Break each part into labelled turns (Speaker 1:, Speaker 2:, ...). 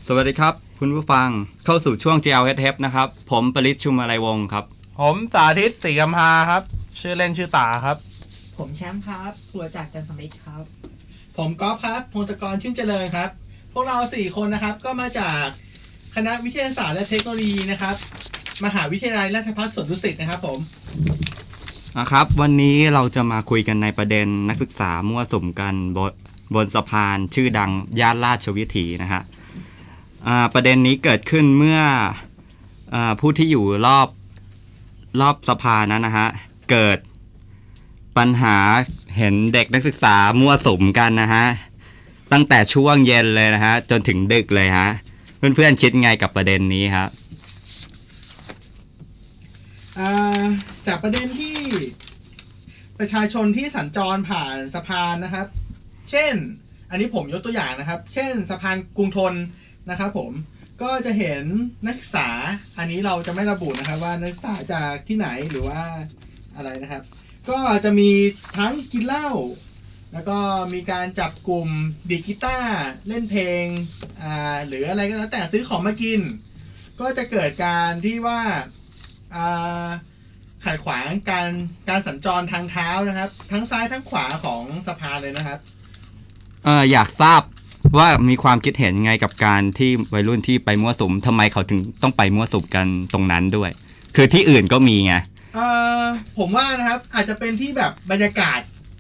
Speaker 1: สวัสดีครับคุณผู้ฟังเข้าสู่ช่วง GLHF นะครับผมปริศชุมอะไรวงศ์ครับ
Speaker 2: ผมสาธิตศรีกำพาครับชื่อเล่นชื่อตาครับ
Speaker 3: ผมแชมป์ครับครัวจากจันทร์สมิทธครับ
Speaker 4: ผมก๊อฟครับพงศกรชื่นเจริญครับพวกเรา4คนนะครับก็มาจากคณะวิทยาศาสตร์และเทคโนโลยีนะครับมหาวิทยาลัยราชภัฏสวนดุสิตนะครับผม
Speaker 1: นะครับวันนี้เราจะมาคุยกันในประเด็นนักศึกษามั่วสุมกันบนสะพานชื่อดังย่านราชวิถีนะฮะประเด็นนี้เกิดขึ้นเมื่อผู้ที่อยู่รอบสะพานนั้นนะฮะเกิดปัญหาเห็นเด็กนักศึกษามั่วสุมกันนะฮะตั้งแต่ช่วงเย็นเลยนะฮะจนถึงดึกเลยฮะเพื่อนๆคิดไงกับประเด็นนี้ครับ
Speaker 4: จากประเด็นที่ประชาชนที่สัญจรผ่านสะพานนะครับเช่นอันนี้ผมยกตัวอย่างนะครับเช่นสะพานกรุงธนนะครับผมก็จะเห็นนักศึกษาอันนี้เราจะไม่ระบุนะครับว่านักศึกษาจากที่ไหนหรือว่าอะไรนะครับก็จะมีทั้งกินเหล้าแล้วก็มีการจับกลุ่มดีดกีตาร์เล่นเพลงหรืออะไรก็แล้วแต่ซื้อของมากินก็จะเกิดการที่ว่าขัดขวางการสัญจรทางเท้านะครับทั้งซ้ายทั้งขวาของสะพานเลยนะครับ
Speaker 1: อยากทราบว่ามีความคิดเห็นไงกับการที่วัยรุ่นที่ไปมั่วสุมทำไมเขาถึงต้องไปมั่วสุมกันตรงนั้นด้วยคือที่อื่นก็มีไง
Speaker 4: ผมว่านะครับอาจจะเป็นที่แบบบรรยากาศ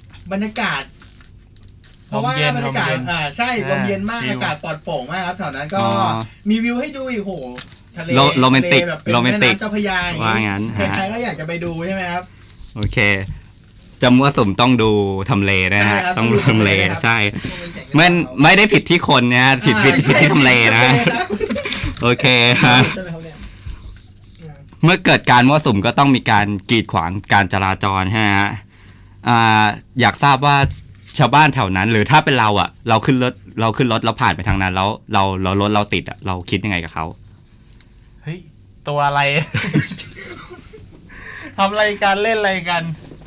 Speaker 4: เพราะว่าบรรยากาศใช่ลมเย็นมากอากาศปลอดโปร่งมากครับแถวนั้นก็มีวิวให้ดูอีกโหทะเล
Speaker 1: โรแมนติก
Speaker 4: แบบเป็นแม่น้ำเจ้าพระยา
Speaker 1: ว่างั้น
Speaker 4: ใครๆก็อยากจะไปดูใช่ไหมครับ
Speaker 1: โอเคจะมั่วสุมต้องดูทำเลนะฮะต้องดูทำเลใช่ไม่ได้ผิดที่คนนะผิดที่ทำเลนะโอเคฮะเมื่อเกิดการมั่วสุมก็ต้องมีการกีดขวางการจราจรฮะอยากทราบว่าชาวบ้านแถวนั้นหรือถ้าเป็นเราอ่ะเราขึ้นรถเราผ่านไปทางนั้นแล้วเรารถเราติดอ่ะเราคิดยังไงกับเขา
Speaker 2: เฮ้ยตัวอะไร ทำอะไรกันเล่นอะไรกัน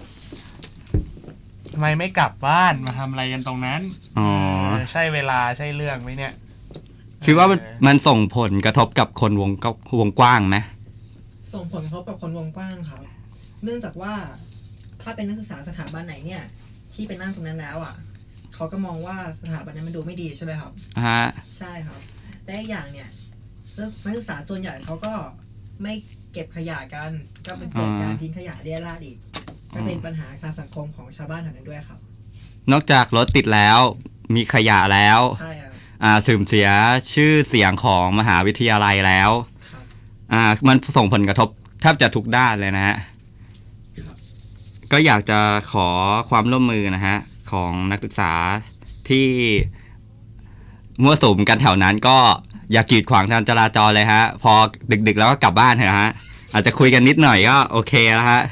Speaker 2: ทำไมไม่กลับบ้านมาทำอะไรกันตรงนั้นใช่เวลาใช่เรื่องไหมเนี่ย
Speaker 1: คิดว่ามันส่งผลกระทบกับคนวงกว้างไหม
Speaker 3: ส่งผลกระทบกับคนวงกว้างครับเนื่องจากว่าถ้าเป็นนักศึกษาสถาบันไหนเนี่ยที่ไปนั่งตรงนั้นแล้วอ่ะเขาก็มองว่าสถาบันนั้นมันดูไม่ดีใช่ไหมครับใช่ครับและอีกอย่างเนี่ยนักศึกษาส่วนใหญ่เขาก็ไม่เก็บขยะกันก็เป็นเกิดการทิ้งขยะเรี่ยราดอีกก็เป็นปัญหาทางสังคมของชาวบ้านแถวนั้นด้วยครับ
Speaker 1: นอกจากรถติดแล้วมีขยะแล้ว
Speaker 3: ใช่ครับ
Speaker 1: เสื่อมเสียชื่อเสียงของมหาวิทยาลัยแล้วมันส่งผลกระทบแทบจะทุกด้านเลยนะฮะก็อยากจะขอความร่วมมือนะฮะของนักศึกษาที่มั่วสุมกันแถวนั้นก็อย่ากีดขวางการจราจรเลยฮะพอดึกๆแล้วก็กลับบ้านเถอะฮะอาจจะคุยกันนิดหน่อยก็โอเคแล้วฮะ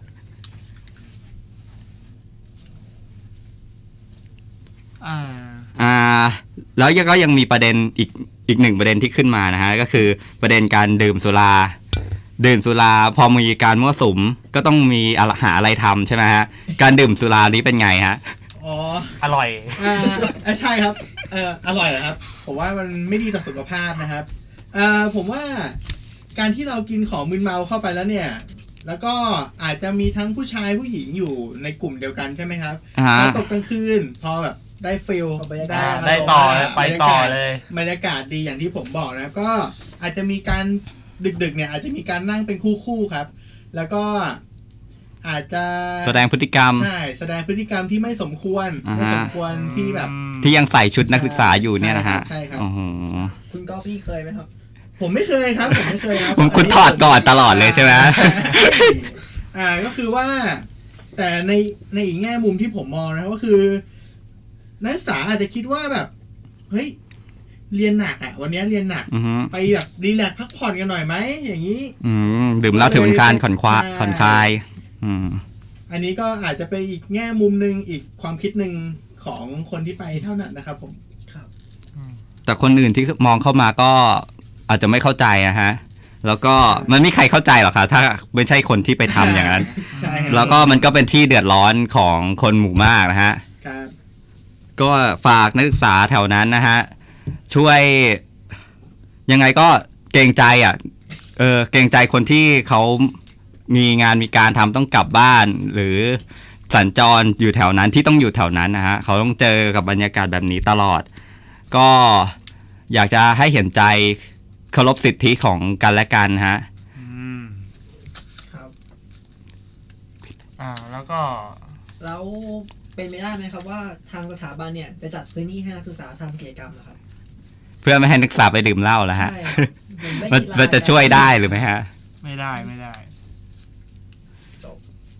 Speaker 1: แล้วก็ยังมีประเด็นอีกหนึ่งประเด็นที่ขึ้นมานะฮะก็คือประเด็นการดื่มสุราพอมีการมั่วสุมก็ต้องมีหาอะไรทำใช่ไหมฮะการดื่มสุรานี้เป็นไงฮะ
Speaker 2: อร่อย
Speaker 4: ใช่ครับอร่อยครับผมว่ามันไม่ดีต่อสุขภาพนะครับผมว่าการที่เรากินของมึนเมาเข้าไปแล้วเนี่ยแล้วก็อาจจะมีทั้งผู้ชายผู้หญิงอยู่ในกลุ่มเดียวกันใช่ไหมครับแล้วตกกลางคืนพอแบบได้ฟิล
Speaker 2: ได้ต่อไปต่อเลย
Speaker 4: บรรยากาศดีอย่างที่ผมบอกนะครับก็อาจจะมีการดึกๆเนี่ยอาจจะมีการนั่งเป็นคู่ๆครับแล้วก็อาจจะ
Speaker 1: แสดงพฤติกรรม
Speaker 4: ใช่แสดงพฤติกรรมที่ไม่สมควรที่แบบ
Speaker 1: ที่ยังใส่ชุดนักศึกษาอยู่เนี่ยนะฮะ
Speaker 4: ใช่ครับ
Speaker 3: คุณก็พี่เคยไหมครับ
Speaker 4: ผมไม่เคยครับผมไม่เคยครับ
Speaker 1: คุณถอดก่อนตลอดเลยใช่ไหม
Speaker 4: ก็คือว่าแต่ในอีกแง่มุมที่ผมมองนะก็คือนักศึกษาอาจจะคิดว่าแบบเฮ้ยเรียนหนักอ่ะวันนี้เรียนหนักไปแบบรีแลกซ์พักผ่อนกันหน่อยไหมอย่างนี้
Speaker 1: ดื่มเหล้าถือเป็นการผ่อนคลาย
Speaker 4: อันนี้ก็อาจจะเป็นอีกแง่มุมนึงอีกความคิดหนึ่งของคนที่ไปเท่านั้นนะครับผม
Speaker 3: ครับ
Speaker 1: แต่คนอื่นที่มองเข้ามาก็อาจจะไม่เข้าใจนะฮะแล้วก็มันไม่มีใครเข้าใจหรอกครับถ้าไม่ใช่คนที่ไปทำอย่างนั้นแล้วก็มันก็เป็นที่เดือดร้อนของคนหมู่มากนะฮะก็ฝากนักศึกษาแถวนั้นนะฮะช่วยยังไงก็เกรงใจอ่ะเกรงใจคนที่เขามีงานมีการทำต้องกลับบ้าน หรือสัญจรอยู่แถวนั้นที่ต้องอยู่แถวนั้นนะฮะเขาต้องเจอกับบรรยากาศแบบนี้ตลอด ก็อยากจะให้เห็นใจเคารพสิทธิของกันและกันฮะ
Speaker 3: ครับ
Speaker 2: แล้วก็
Speaker 3: แล้วเป็นไปได้ไหมครับว่าทางสถาบันเนี่ยจะจัดพื้นที่ให้นักศึกษาทำกิจกรรมนะครับ
Speaker 1: เพื่อไม่ให้นักศึกษาไปดื่มเหล้าแล้วฮะ
Speaker 3: ใช่ครับเหมือนเล่นกีฬา
Speaker 1: มันจะช่วยได้หรือไม่ฮะ
Speaker 2: ไม่ได้
Speaker 3: จบ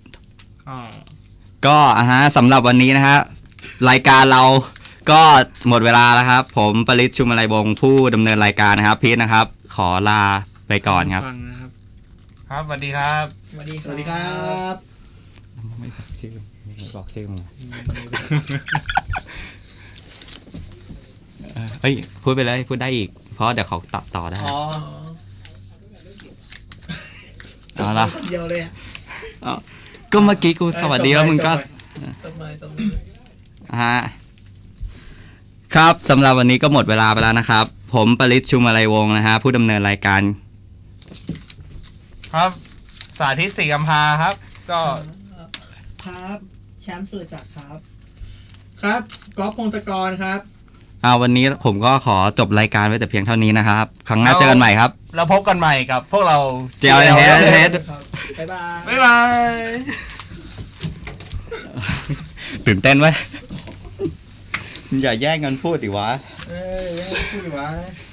Speaker 1: ก็สำหรับวันนี้นะฮะรายการเราก็หมดเวลาแล้วครับ ผมปริศชุมอะไรวงศ์ผู้ดำเนินรายการนะครับพีทนะครับ ขอลาไปก่อนครับ
Speaker 2: ฟังนะครับ ครับสวัสดีครับ
Speaker 3: สวัสดี
Speaker 4: สวัสดีครับ
Speaker 1: ไม่บอกชื่อบอกชื่อมาเฮ้ยพูดไปเลยพูดได้อีก เพราะเดี๋ยวเขาตัดต่อได้
Speaker 3: อ๋อ
Speaker 1: เอาละ
Speaker 3: เดียวเลยอ่ะ
Speaker 1: ก็เมื่อกี้กูสวัสดีแล้วมึงก็
Speaker 3: จบเลย
Speaker 1: ฮะครับสำหรับวันนี้ก็หมดเวลาไปแล้วนะครับ ผมปริศชุมอะไรวงศ์นะฮะผู้ดำเนินรายการ
Speaker 2: ครับ สาธิตศรีกำพร้าครับ ก็
Speaker 3: ครับแชมป์สุรจักรครับ
Speaker 4: ครับก๊อฟพงศกรครับ
Speaker 1: วันนี้ผมก็ขอจบรายการไว้แต่เพียงเท่านี้นะครับ ครั้งหน้าเจอกันใหม่ครับ
Speaker 2: เราพบกันใหม่กับพวกเรา
Speaker 1: JLH
Speaker 3: บ๊ายบาย
Speaker 2: บ๊ายบาย
Speaker 1: ตื่นเต้นไว้ อย่าแย่งกันพูดดิวะ
Speaker 4: เอ้ยพูดวะ